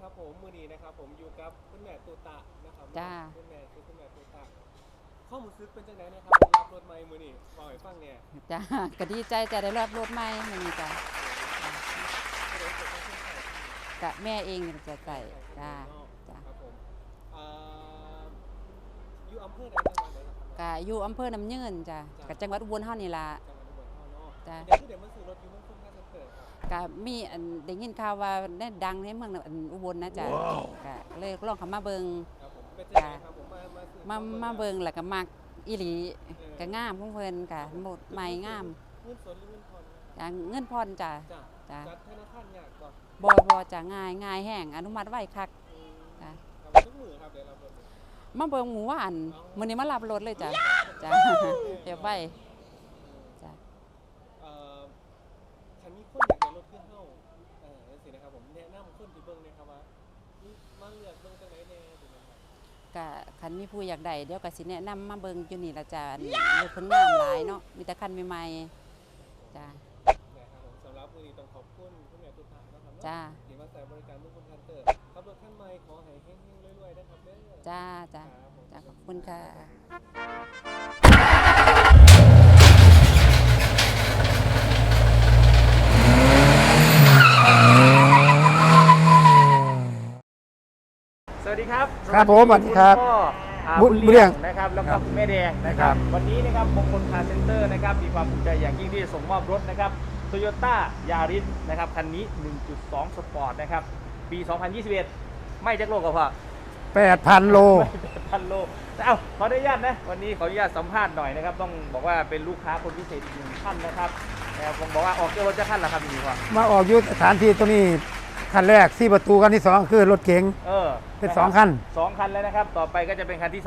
ครับผมมือนี้นะครับผมอยู่กับคุณแม่ตูตะนะครับจ้าคุณแม่ตูตะข้อมูลซึกเป็นจังไดนะครับรับรถใหม่มือนี้บอกให้ฟังเนี่ยจ้าก็ดีใจจะได้รับรถใหม่มื้อนี้จ้ากับแม่เองจะใส่จ้าจ้าครับผมอยู่อำเภอใดจังหวัดใดครับก็อยู่อำเภอน้ำยืนจ้ากับจังหวัดอุบลเฮานี่ล่ะจังหวัดอุบลเฮาเนาะจ้าเดี๋ยวมันซื้อรถอยู่เมืองคนท่าเกิดครับก็มีอันได้ยินข่าวว่าได้ดังในเมืองอุบลนะจ้าก็เลยลองเข้ามาเบิ่งครับผมเป็นจังไดครับผมมาเบิ่งแล้วก็มักอีหลีก็งามของเพิ่นก็หมดใหม่งามเงินสดหรือเงินผ่อนจ้าเงินผ่อนจ้าจ้าจัดธนาคารยากก่อนบ่จ้าง่ายแห้งอนุมัติไว้คักจ้าทุกมื้อครับได้รับรถมาเบิ่งหมู่ว่านมื้อนี้มารับรถเลยจ้ะจ้ะเก็บไว้จ้ะคันมีคนอยากได้รถขึ้นเฮาจังซี่นะครับผมแนะนำคนที่เบิ่งนะครับว่ามาเลือกเบิ่งจังได๋แน่ถูกมั้ยครับก็คันมีผู้อยากได้เดี๋ยวก็สิแนะนำมาเบิ่งอยู่นี่ล่ะจ้ะรถเพิ่นงามหลายเนาะมีแต่คันใหม่ๆจ้ะนะครับผมสำหรับมื้อนี้ต้องขอบคุณคุณแม่ตุ๊ตานะครับจ้าที่มาใช้บริการมุกคุณทันเตอร์ขับรถคันใหม่ขอให้เฮงๆรวยๆนะครับเด้อจ้าขอบคุณค่ะสวัสดีครับครับผมสวัสดีครับบุญเลี้ยงนะครับแล้วก็แม่แดงนะครับวันนี้นะครับมงคลคาร์เซ็นเตอร์นะครับมีความภูมิใจอย่างยิ่งที่ส่งมอบรถนะครับ Toyota Yaris นะครับคันนี้ 1.2 สปอร์ตนะครับปี 2021 ไม่จักโลกับพ่อ 8,000 โล 8,000 โลขออนุญาตนะวันนี้ขออนุญาตสัมภาษณ์หน่อยนะครับต้องบอกว่าเป็นลูกค้าคนพิเศษอีกหนึ่งท่านนะครับผมบอกว่าออกเจ้ารถจะท่านละครับพี่พ่อมาออกยุทธสถานที่ตัวนี้คันแรก4 ประตูคันที่2คือรถเก๋งเป็น2 คัน 2 คันแล้วนะครับต่อไปก็จะเป็นคันที่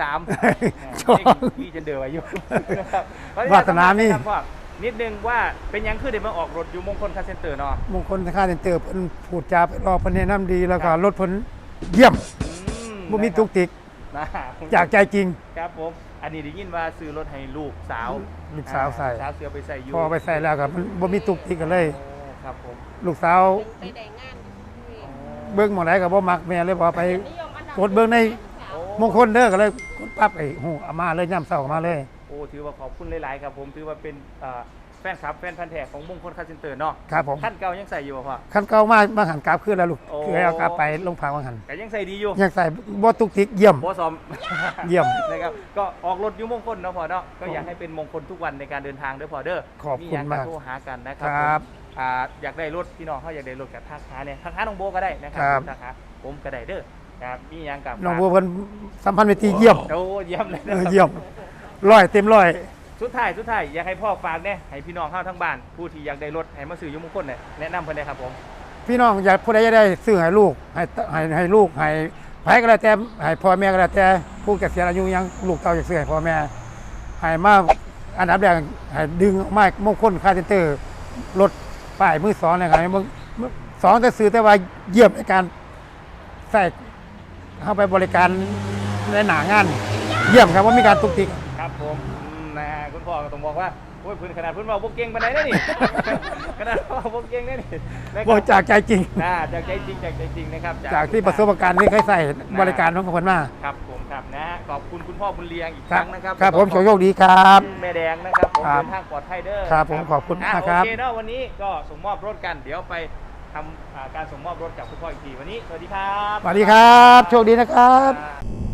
3พี่จะเดือดอยู่นะครับวาสนานี่นิดนึงว่าเป็นยังคือเดี๋ยวมาออกรถอยู่มงคลคาร์เซ็นเตอร์เนาะมงคลคาร์เซ็นเตอร์เพิ่นพูดจารอเพิ่นแนะนำดีแล้วก็รถเพิ่นเยี่ยมบ่มีตุกติกจากใจจริงครับผมอันนี้ได้ยินว่าซื้อรถให้ลูกสาวใส่สาวเสือไปใส่อยู่พอไปใส่แล้วครับมันบ่มีตุกติกกันเลยครับผมลูกสาวเบิ่งหม้องใดก็บ่มักแม่เลยบ่ไปกดเบิ่งในมงคลเด้อก็เลยกดปั๊บเอามาเลยย่ำเช้ามาเลยโอ้ถือว่าขอบคุณหลายๆครับผมถือว่าเป็นแฟนพันธุ์แท้ของมงคลคาร์เซ็นเตอร์เนาะครับผมขั้นเก่ายังใส่อยู่ป่ะพ่อขั้นเก่ามาหันกราบขึ้นแล้วลูกคือให้เอากราบไปลงพักมาหันแต่ยังใส่ดีอยู่ยังใส่บ่ตุกติกเยี่ยมบ่ซ้อมเยี่ยมนะครับก็ออกรถอยู่มงคลเนาะพ่อเนาะก็อยากให้เป็นมงคลทุกวันในการเดินทางเด้อพ่อเด้อขอบคุณมากโทรหากันนะครับอยากได้รถพี่น้องเขาอยากได้รถกับทักหาเนี่ยทักหาน้องโบก็ได้นะครับทักหาผมก็ได้เด้อครับมีอย่างกับน้องโบเพิ่นสัมพันธ์เวทีเยี่ยมโอ้เยี่ยมเลยเยี่ยม100 เต็ม 100 สุดท้ายอยากให้พ่อฝากเนี่ยให้พี่น้องเข้าทั้งบ้านผู้ที่อยากได้รถให้มาซื้ออยู่มงคลเนี่ยแนะนำเพิ่นได้ครับผมพี่น้องอยากผู้ใดจะได้ซื้อให้ลูกให้ลูกให้ไผก็แล้วแต่ให้พ่อแม่ก็แล้วแต่ผู้เกษียณอายุยังลูกเต้าอยากซื้อให้พ่อแม่ให้มาอันดับแรกให้ดึงไม้มงคลคาร์เซ็นเตอร์รถป้ายมือ2นะครับมึง2แต่ซื้อแต่ว่าเยี่ยมในการใส่เข้าไปบริการในหน้างานเยี่ยมครับว่ามีการตุกติกครับผมคุณพ่อก็ต้องบอกว่าโอ้ยพื้นขนาดพื้นว่าพวกเก่งปานใดได้นี่ขนาดพวกเก่งได้นี่บอกจากใจจริงจากใจจริงนะครับจากที่ประสบการณ์ที่เคยใส่บริการของคนมาครับผมครับนะขอบคุณคุณพ่อบุญเลี้ยงอีกครั้งนะครับครับผมโชคดีครับแม่แดงนะครับผมเดินทางปลอดภัยเด้อครับผมขอบคุณมากครับโอเคเนาะวันนี้ก็ส่งมอบรถกันเดี๋ยวไปทำการส่งมอบรถกับคุณพ่ออีกทีวันนี้สวัสดีครับสวัสดีครับโชคดีนะครับ